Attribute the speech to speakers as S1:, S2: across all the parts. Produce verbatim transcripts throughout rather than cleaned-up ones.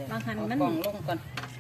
S1: บางหันมันลงก่อน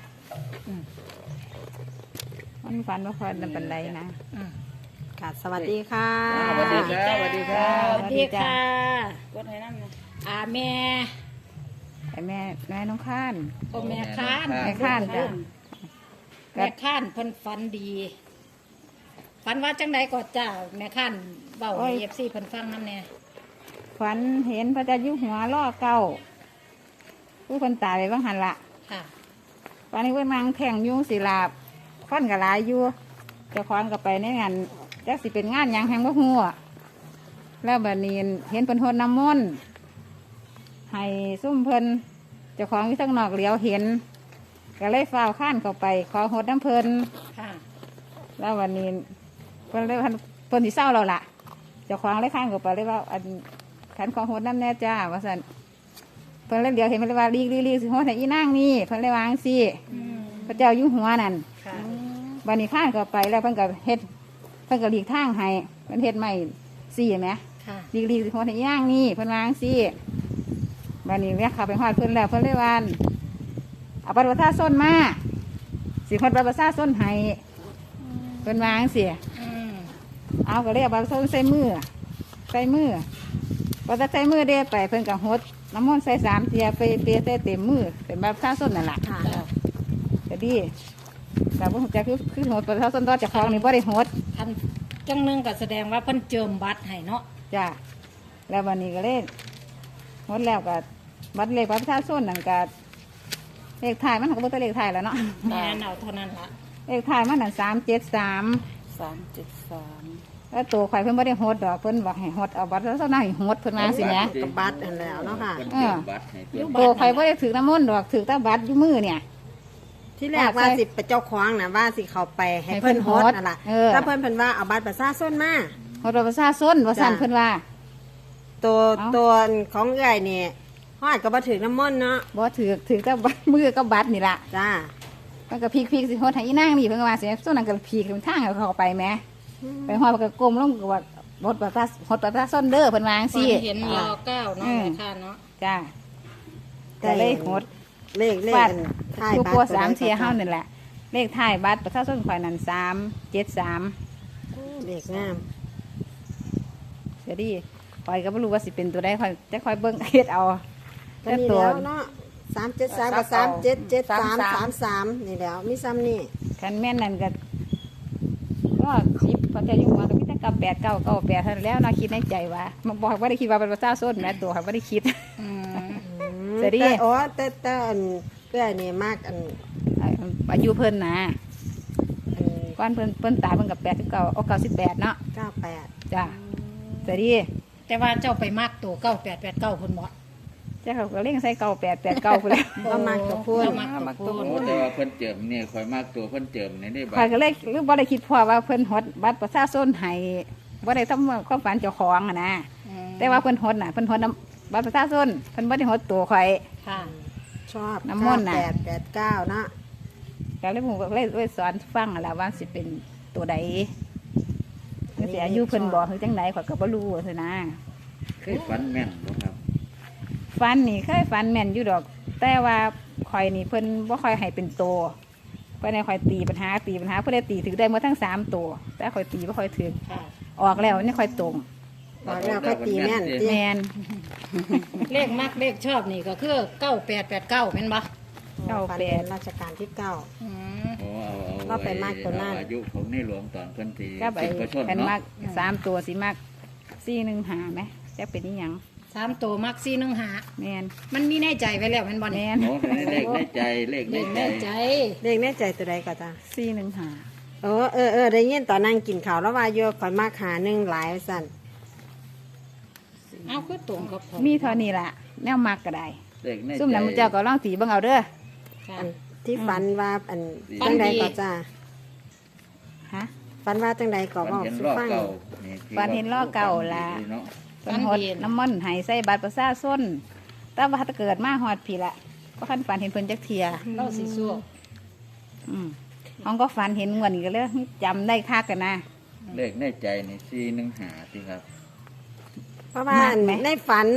S2: มันฝันว่าฝันเป็นปันไดนะ
S3: ค่ะสวัสดีค่ะ
S1: สวัสดีค่ะสวัสดีค่ะสวัสดีค่ะ
S3: กดให้นั่นนะ
S1: อาแม่
S2: ไอแม่แม่น้องข้าน
S1: โอแม่ข้าน
S2: แม่ข้านจ้ะ
S1: แม่ข้านเพิ่นฝันดีฝันว่าจังไดก็จ้าแม่ข้านเบาเอฟซีเพิ่นฟังน้ำเนี่ย
S2: ฝันเห็นพระเจ้าอยู่หัวล่อเก้าผู้คนตายไปบ้างหันละ
S1: ค่ะ
S2: ตอนนี้เพิ่นมังแข่งยุ่งศิลาฟันกับลายอยู่จะคว้างกับไปในงานจักสิเป็นงานยังแหงบ่หัวแล้วบัดนี้เห็นเพิ่นโทษน้ำมนต์ให้ซุ่มเพิ่นเจ้าของที่ทั้งนอกเหลียวเห็นก็เลยฟ้าวข้านเข้าไปขอโหดน้ำเพิ่น
S1: ค่ะ
S2: แล้ววันนี้เพิ่นเลยเพิ่นที่เศร้าเราล่ะเจ้าของเลยข้านเข้าไปเลยว่าอันขันของโหดน้ำแน่จ้าว่าสันเพิ่นเลยเดี๋ยวเห็นเพิ่นเลยว่าลีกลีกลีกสิโหดให้อีนั่งนี่เพิ่นเลยวางสิพระเจ้าอยู่หัวนั่นวันนี้ข้านเข้าไปแล้วเพิ่นก็เฮ็ดเพิ่นก็หลีกทางให้เพิ่นเฮ็ดใหม่สี่ไหมลีกลีกสิโหดให้อีนั่งนี่เพิ่นวางสิวันนี้เนี่ยขับไปหอดเพิ่นแล้วเพิ่นเลยว่าเอาบัตรประชาชนมาสิคนบัตรประชาชนให้เพิ่นวางสิเอาก็เลยเอาบัตรประชาชนใส่มือใส่มือพอจะใส่มือเด้ไปเพิ่นกับหดน้ำมันใส่สามเทียไปเปียใส่เต็มมือเป็นบัตรประชาชนนั่นแหละจะดีแต่พวกจะคือคือหดประชาชนต่อจากคลองนี่บ่ได้หด
S1: อันจังนึงก็แสดงว่าเพิ่นเจิมบัตรให้เนาะ
S2: จ้าแล้ววันนี้ก็เล่นหดแล้วก็บัตรเลขบัตรประชาชนนั่นก็เลขถ่ายมันก็บ่ตัวเลขถ่ายแล้วเนาะ
S1: แม่เอาเท่านั้นละ
S2: เลขถ่ายมันนั่นสามเจ็ดสาม
S3: สามเจ็ดสาม
S2: แล้วตัวข่อยเพิ่นไม่ได้โหดดอกเพิ่นบอกให้โหดเอาบัตรแล้วเท่านั้นให้โหดเพิ่นมาสิแหม
S3: กับบัตรอันแล้วเนาะค่ะ
S2: ตัวข่อยไม่ได้ถือน้ำมนต์ดอกถือแต่บัตรอยู่มือเนี่ย
S3: ที่แรกว่าสิไปเจ้าของนะว่าสิเขาไปให้เพิ่นโหดนั่นแหละถ้าเพิ่นเพิ่นว่าเอาบัตรประชาชนมา
S2: โหดบัตรประชาชนว่าสั่นเพิ่นว่า
S3: ตัวตัวของเอื้อยนี่ฮอดก็บ่ถือน้ำมนต์เนาะ
S2: บ่ถือถือแต่บัตรมือกับบัตรนี่ล่ะ
S3: จ้า
S2: มันก็พีกๆสิโหดให้อีนางนี่เพิ่นก็ว่าสิส่วนนั้นก็พีกทางให้เขาไปแหมไปฮอดก็ก้มลงก็ว่าหดบัตรหดบัตรประชาชนเด้อเพิ่นว่าจังซี่
S1: เห็นรอเก้าเนาะแม่ค่ะเนาะ
S2: จ้าแต่เลขหด
S3: เลขเลข
S2: ท้ายบัตรสามเทียเฮานั่นแหละเลขท้ายบัตรประชาชนข่อยนั่นสามเจ็ดสาม
S3: เลขงาม
S2: เดี๋ยวดิข่อยก็ไม่รู้ว่าสิเป็นตัวใดข่อยจะข่อยเบิ่งเฮ็ดเอา
S3: แต่ตัวเนาะสามเจ็ดสามกับสามเจ็ดเจ็ดสามสามสามนี่แล้วมีซ้ำนี่
S2: คันแม่นนั่นก็ก็สิบพอจะอยู่มาก็มีแต่กับแปดเก้าเก้าแปดเท่านั้นแล้วน่าคิดในใจว่ามันบอกว่าได้คิดว่าเป็นพระเจ้าส้นแม่ตัวข่อยไม่ได้คิด
S3: แต่ดิอ๋อแต่แต่อันเพื่อนี่มากอัน
S2: อายุเพิ่นนะก้อนเพิ่นเพิ่นตายเพิ่นกับแปดสิบเก้าเอาเก้าสิบแปดเนาะ
S3: เก้าแปด
S2: จ้ะแต่ดิ
S1: แต่ว่าเจ้าไปมากตัวเก้าแปดแปดเก้าคนหมด
S2: เจ้าเขาก็เล่งใส่เก้าแปดแปดเก้าคนแล้ว
S3: ก็มากตัวพูด
S1: มากตัวพูด
S4: แต่ว่าเพิ่นเจิมเนี่ยคอยมากตัวเพิ่นเจิมในนี่บัตร
S2: ข่อยก็เลยหรือบ่ได้คิดพอว่าเพิ่นฮดบัตรประชาชนให้บ่ได้ทำความฝันเจ้าของอ่ะนะแต่ว่าเพิ่นฮดน่ะเพิ่นฮดบัตรประชาชนเพิ่นบ่ได้ฮดตัวข่อย
S1: ค่ะ
S3: ชอบน้ำมนต์น่ะแปดแปดเก้านะ
S2: ก็เลยผมก็เลยเลยสอนฟังอะไรว่าสิเป็นตัวใดเสียอายุเพิ่นบอกคือจังไหนข่อยก็บ่รู้สินะ
S4: เคยฝันแม่นบ่ครับ
S2: ฝันนี่เคยฝันแม่นอยู่ดอกแต่ว่าข่อยนี่เพิ่นบ่ค่อยให้เป็นตัวเพิ่นให้ข่อยตีปัญหาตีปัญหาเพิ่นได้ตีถึงได้หมดทั้งสามตัวแต่ข่อยตีบ่ค่อยถึงออกแล้วนี่ค่อยตรง
S3: ออกแล้วค่อยตีแม่น
S2: แม่น
S1: เลขมักเลขชอบนี่ก็คือเก้าแปดแปดเก้าแม่นบ่
S3: เก้าแปดราชการที่เก้าก็ไปมากตัวนั้น
S4: อายุของในหลวงตอนเพิ่นตี
S2: ก็ไปเป็นมากสามตัวสิมากสี่หนึ่งหาไหมจะเป็นนี่ยัง
S1: สามตัวมักสี่หนึ่งหา
S2: แม่น
S1: มันมีแน่ใจไว้แล้วแม่นบ่
S2: แม่น
S4: เลขแน่ใจเลขแน่ใจ
S3: เลขแน่ใจตัวใดก็จ้า
S2: สี่หนึ่งหา
S3: เออเออเออได้ยินตอนนั่งกินข้าวแล้วว่าโยคอยมากหาหนึ่งหลายสั่น
S1: เอาคือตรงกับ
S2: มีเท่านี้ล่ะแนวมักก็ได้ซุ่มน้ำเจ้าก็ลองตีเบิ่งเอาเด้อ
S3: ที่ฝันว่าอันจังใดก็จ้า
S2: ฮะ
S3: ฝันว่าจังใดก็บอกฟัง
S2: ฝันเห็นล้อเก่าละฝันหดน้ำมันหายใส่บัตรประชาชนแต่ว่าถ้าเกิดมาหอดผีละก็ขันฝันเห็นเพิ่นจักเทีย
S1: เล่าสีสู้
S2: อืมห้องก็ฝันเห็นเงินก็เลยจำได้คักกันนะ
S4: เลขในใจนี่สี่หนึ่งหาสิครับ
S3: เพราะว่าในฝันเนาะ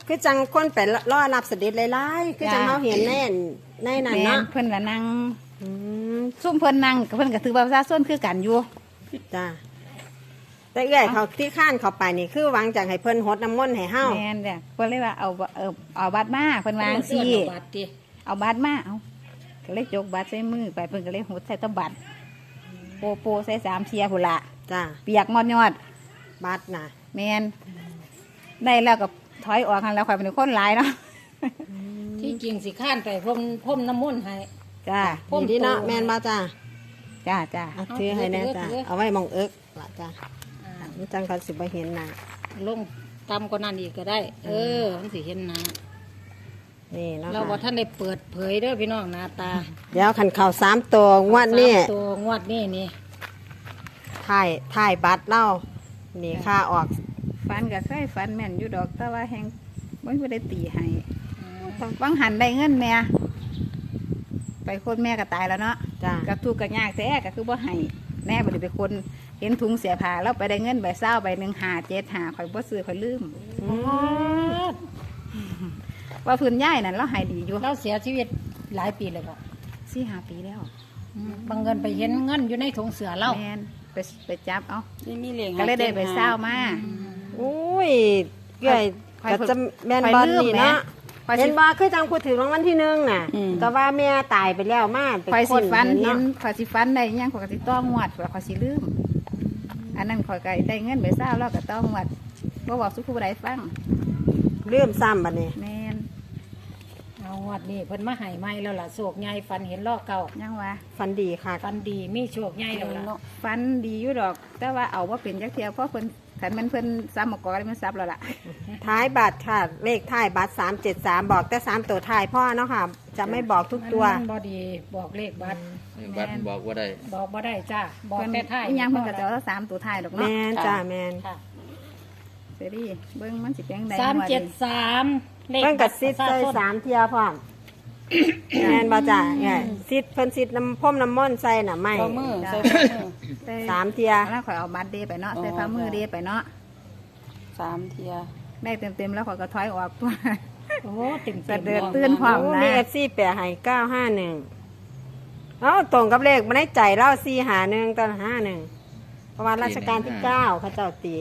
S3: คือจังคนไปรอรับเสด็จหลายๆคือจังเขาเห็นแน่นในนั้น
S2: แม่น
S3: เนาะ
S2: เพิ่นก็นั่ง
S3: อืม
S2: ซุ่มเพิ่นนั่งก็เพิ่นก็ถือบัตรประชาชนคือกันอยู่
S3: จ้าแต่เอื้อยเขาที่ข้านเขาไปนี่คือหวังจากให้เพิ่นหดน้ำมนต์ให้เฮา
S2: แม่นจ้ะเพิ่นเลยว่าเอาเออเอาบัตรมาเพิ่นวาจั่ง
S1: เสื้
S2: ซี่
S1: อบัตรดิ
S2: เอาบัตรมาเอาก็เลยยกบัตรใส่มือไปเพิ่นก็เลยหดใส่ตะบัตรโปโปใส่สามเทียพุ่นละ
S3: จ้า
S2: เปียกงอดยอด
S3: บัตรนะ
S2: แม่นได้แล้วก็ถอยออกกันแล้วข่อยเป็นคนหลายเนาะ
S1: ที่จริงสิข้านไปพ่มพ่มน้ำมนต์ให้
S2: จ้า
S1: พ่ม
S3: นี่ที่เนาะ
S1: โต
S3: แม่นบ่จ้า
S2: จ้าจ้า
S3: เอาถือให้แน่จ้า
S1: ถือถือ
S3: เอาไว้มองเอิกล่ะจ้า
S1: อ่า
S3: มันจังเขาสิบ่เห็นหน้า
S1: ลงตามกว่านั้นอีกก็ได้ เออมันสิเห็นหน้า
S3: นี่เนาะ
S1: เราว่า
S3: ค่ะ
S1: ท่านได้เปิดเผยเด้อพี่น้องหน้าตา
S3: เดี๋ยวคันเข้าสามตัวงวดนี้
S1: สามตัวงวดนี้นี่
S3: ถ่ายถ่ายบัตรเล่านี่ค่าออก
S2: ฟันก็เคยฟันแม่นอยู่ดอกแต่ว่าแฮงบ่มีได้ตีให้บางหันได้เงินแม่ไปคนแม่ก็ตายแล้วเนาะ
S3: จ้า
S2: กับทุกข์กับยากแท้ก็คือบ่ให้แน่บ่ได้เป็นคนเห็นถุงเสียผ้าแล้วไปได้เงินใบเศร้าใบหนึ่งหาเจ็ดหาข่อยบ่ซื้อข่อยลืม
S3: อืม
S2: ว่าพื้นย่ายนั่นเราใหายดีอยู่
S1: เราเสียชีวิตหลายปีเลยบ่
S2: สี่ห้าปีแล้ว
S1: บางเงินไปเห็นเงินอยู่ในถุงเสือเรา
S2: แมนไปไปจับเอา
S5: นี่มีเหลียง
S2: ก็เลยได้ไปเศร้ามา
S3: อุ้ยเอ้ย
S2: ข่อย
S3: ก็จะแม่น
S2: ข่อย
S3: บอล
S2: ลืม
S3: นี่
S2: แหม
S3: เนาะ
S2: ข่อยสิ
S3: เห็นบ่คือจังพูดถึงรางวัลที่หนึ่งน่ะก็ว่าแม่ตายไปแล้วมาไป
S2: ข่อย
S3: ค
S2: สิ
S3: น
S2: ฟัน
S3: เห็
S2: เห็
S3: น
S2: น
S3: เนาะ
S2: ข่อยสิฟันได้อิหยังข่อยก็สิต้องงวดข่อยสิลืม อันนั้นข่อยก็ได้เงินไปเศร้าแล้วก็ต้องงวดบ่บอกสุขผู้ใดฟัง
S3: เลื่อมซ้ำบัดนี้
S2: แมน
S1: เอางวดนี้เพิ่นมาให้ใหม่แล้วล่ะโศกใหญ่ฟันเห็นลอกเก่า
S2: ยังว่า
S3: ฟันดีค่ะ
S1: ฟันดีมีโชคใหญ่แล้วล่ะ
S2: ฟันดีอยู่ดอก แต่ว่าเอาว่าเป็นจักเทียวเพราะเพิ่นขันมันเพิ่นซ้ำมากอมันซับแล้วล่ะ
S3: ท้ายบัตรค่ะ เลขท้ายบัตรสามเจ็ดสามบอกแต่สามตัวท้ายพ่อเนาะค่ะ จะไม่บอกทุกตัว
S1: มันบอดีบอกเลขบัตร
S4: บัตรบอกว่าได้
S1: บอกบ่ได้จ้าบอก
S2: เพิ่น
S1: แต่ท้าย
S2: อิหยังเพิ่นก็จะเอาสามตัวท้ายดอก
S3: แม
S2: เนาะ
S3: นจ้าแมน
S1: ค่ะ
S2: เสรีเบิ่งมันสิเป็นจั่งใด
S1: สามเจ็ดสามเลข
S3: เพิ่น
S1: บั
S3: กั
S1: ต
S3: ด
S1: ร
S3: ซิด
S1: ประ
S3: ใส่
S1: ชาชน
S3: สามเทียพร้อมแมนบ่จ้าเนี่ยซิดเพิ่นซิดน้ำพ่มน้ำม่นต์ใส่น่ะไม่
S5: ข้อมือใส่ข้อมือ
S2: แต่
S3: สามเทีย
S2: แล้วข่อยเอาบัตรเดไปเนาะใส่ฝ่ามือเดไปเนาะ
S5: สามเทีย
S2: ได้เต็มๆแล้วข่อยก็ถอยออกตัว
S1: โอ้เต็ม
S2: สะ
S1: เต็ม
S2: เดือดตื่นพร้อม
S3: โอ้
S2: นะ
S3: มีเอฟซีแปะให้เก้าห้าหนึ่งเอ้าตรงกับเลขมันได้ใจเล่าสี่หาหนึ่งตอนห้าหนึ่งเพราะว่าราชการที่เก้าเขาเจ้าตี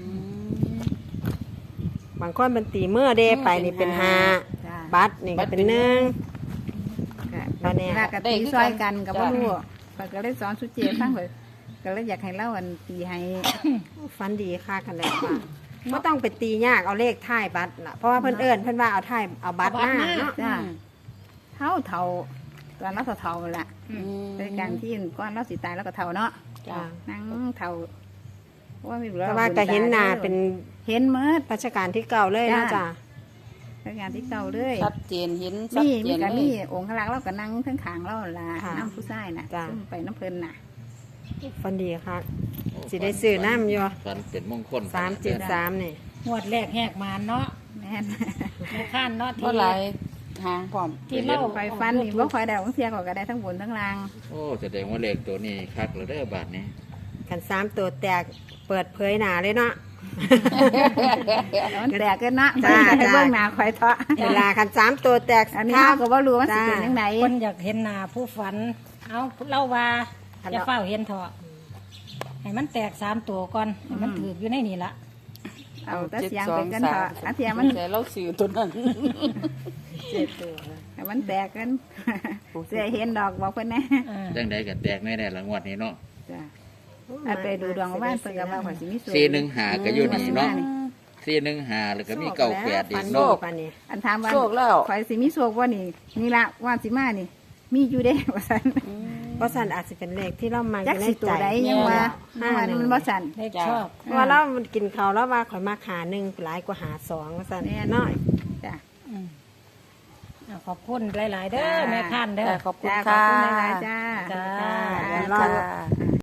S3: บางคนเป็นตีเมื่อเดไปนี่เป็นห้า
S2: จ้า
S3: บัตรนี่ก็เป็นหนึ่ง
S2: ก็เนี่ยก็ตีซอยกันกับบ่รู้ข่อยก็เลยสอนสุเจฟังข่อยก็เลยอยากให้เล่าอันตีให้
S3: ฟันดีค่ากันแล้วว่าไม่ต้องไปตียากเอาเลขท้ายบัตรนะเพราะว่าเพิ่นเอิญเพิ่นว่าเอาท้ายเอาบัตรหน้าเนาะ
S2: จ้าเท่าเท่าตอนเราเท่าๆแหละ
S5: อืม
S2: ในการที่ก้อนเราสิตายแล้วก็เท่าเนาะ
S3: จ้ะ
S2: นั่งเท่าว่าไม่รู้
S3: แต่ว่าก็เห็นหน้าเป็น
S2: เห็นเมื่อ
S3: ราชการที่เก่าเลยนะ
S2: จ้ะ
S3: จ้ะ
S2: ในการที่เก่าเลย
S5: ชัดเจนเห็นชัด
S2: มี
S5: เจ
S2: มี
S5: น
S2: กับ
S5: เล
S2: มี
S5: ย
S2: องค์ขลักษณ์เราก็นั่งทั้งขางเราล่ะน้ำผู้ชายน่ะ
S3: จ้ะ
S2: ซึ่งไปน้ำเพลินน่ะ
S3: ฟันดีค่ะสิได้ซื้อน้ำอยู่
S4: ฝันเป็นมงคล
S3: สามเจ็ดสามนี่
S1: งวดแรกแหกมาเนาะ
S2: แม่น
S1: ในข้านเนาะ
S5: เท่า
S1: ที่
S5: ไหรหางพร้อม
S1: ที่เล่า
S2: ไฟฟันนี่ว่าไฟดาวเสียก็ได้ทั้งบนทั้งล่าง
S4: โอ้แสดงว่าเลขตัวนี้คักแล้วเด้อบาทนี้
S3: กันสามตัวแตกเปิดเผยหนาเลยเนาะ
S2: มันแตกกันนะ
S3: จ้ะ
S2: ให้เบื้องหน้าคอยเถาะ
S3: เวลากันสามตัวแตก
S2: อันนี้
S3: ถ้า
S2: เราก็ว่ารู้ว่าสิเป็นยังไง
S1: คนอยากเห็นหน้าผู้ฝัน เอาเล่าว่าจะเฝ้าเห็นเถอะให้มันแตกสามตัวก่อนให้มันถืออยู่ในนี่ละ
S2: เอาแต่เสียงเป็นกันเถอะอันเสียงมัน
S5: แต่เราสื่อตัวนั้น
S2: ให้มันแตกกันเสียเห็นดอกบอกเพิ่นแน่
S1: อ่า
S4: จังใดกันแตกแน่ๆหลังวัดนี้เนาะ
S2: จ้ะเอาไปดูดวงว่านเพิ่นก็ว่าข่อยสิมีสู
S4: สี่หนึ่งหาก็อยู่นี่เนาะสี่หนึ่งหาแล้วก็มีเก้าแปดอีก
S3: โล
S4: เนาะ
S3: กอันนี้
S2: อันถามว่า
S5: โชคแล้ว
S2: ข่อยสิมีโชคบ่นี่นี่ละว่าสิมานี่ มีอยู่เด้ ว่าซั่น
S3: เพราะสันอาจจะเป็นเลขที่เรามาอ
S2: จัก
S3: ยู่ใน
S2: สิตั
S3: ใจ
S2: วใดยังว่า
S3: ห้า
S2: ว่า
S3: หนึ่ง
S2: มันบ่สั่น
S1: เลขชอบ
S3: เพราะว่าเรามันกินเขาวแล้วว่าข่อยมาขาหนึ่งหลายกว่าหาสองว่าสัน
S2: แน่
S3: น้อย
S2: จ้ะ
S1: อืมอ่าขอบคุณหลาย ๆ เด้อแม่ข้านเด้อ
S5: ขอบคุณ
S2: จ้าขอบ
S5: ค่ะ
S2: คุณหลายๆจ้า
S1: จ้า
S3: จ้า
S5: จ้า